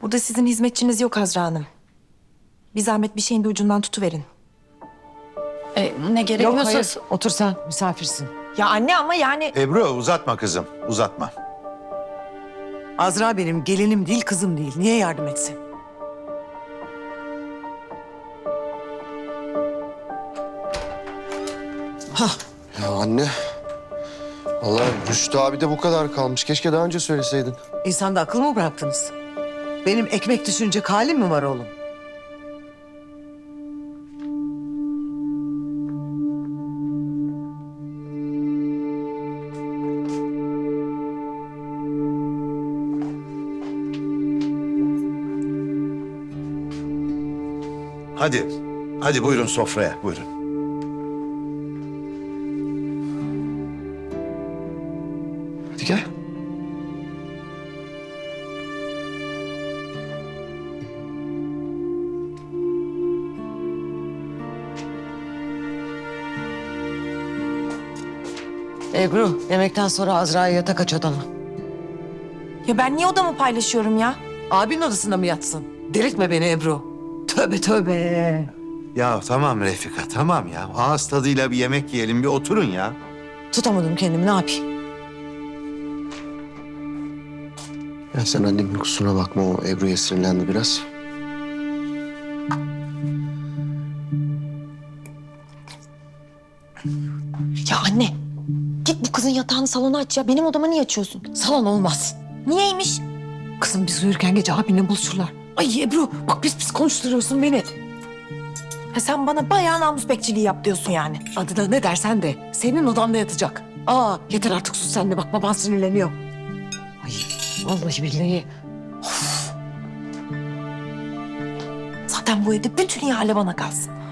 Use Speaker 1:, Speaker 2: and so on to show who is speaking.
Speaker 1: Burada sizin hizmetçiniz yok Azra Hanım. Bir zahmet bir şeyin de ucundan tutuverin.
Speaker 2: Ne
Speaker 3: Yok
Speaker 2: gerekiyorsa...
Speaker 3: hayır. Otur sen, misafirsin.
Speaker 1: Ya anne ama yani...
Speaker 4: Ebru uzatma kızım, uzatma.
Speaker 3: Azra benim gelinim değil, kızım değil. Niye yardım etsin?
Speaker 5: Ya anne. Vallahi Rüştü abi de bu kadar kalmış. Keşke daha önce söyleseydin.
Speaker 3: İnsanda akıl mı bıraktınız? Benim ekmek düşünecek halim mi var oğlum?
Speaker 4: Hadi, hadi buyurun sofraya, buyurun.
Speaker 5: Hadi gel.
Speaker 3: Ebru, yemekten sonra Azra'yı yatak aç odana.
Speaker 1: Ya ben niye odamı paylaşıyorum ya?
Speaker 3: Abinin odasında mı yatsın? Delirtme beni Ebru. Tövbe tövbe.
Speaker 4: Ya tamam Refika, tamam ya. Ağız tadıyla bir yemek yiyelim, bir oturun ya.
Speaker 3: Tutamadım kendimi, ne yapayım?
Speaker 5: Ya sen annemin kusuruna bakma. O Ebru'ya sinirlendi biraz.
Speaker 1: Ya anne, git bu kızın yatağını salona aç ya. Benim odama niye açıyorsun?
Speaker 3: Salon olmaz.
Speaker 1: Niyeymiş?
Speaker 3: Kızım biz uyurken gece abinle buluşurlar. Ay Ebru, bak pis konuşturuyorsun beni.
Speaker 1: Ha sen bana bayağı namus bekçiliği yap diyorsun yani.
Speaker 3: Adına ne dersen de senin odanda yatacak. Aa yeter artık sus sen de, bak baban sinirleniyor. Ay vallahi billahi.
Speaker 1: Zaten bu evde bütün ihale bana kalsın.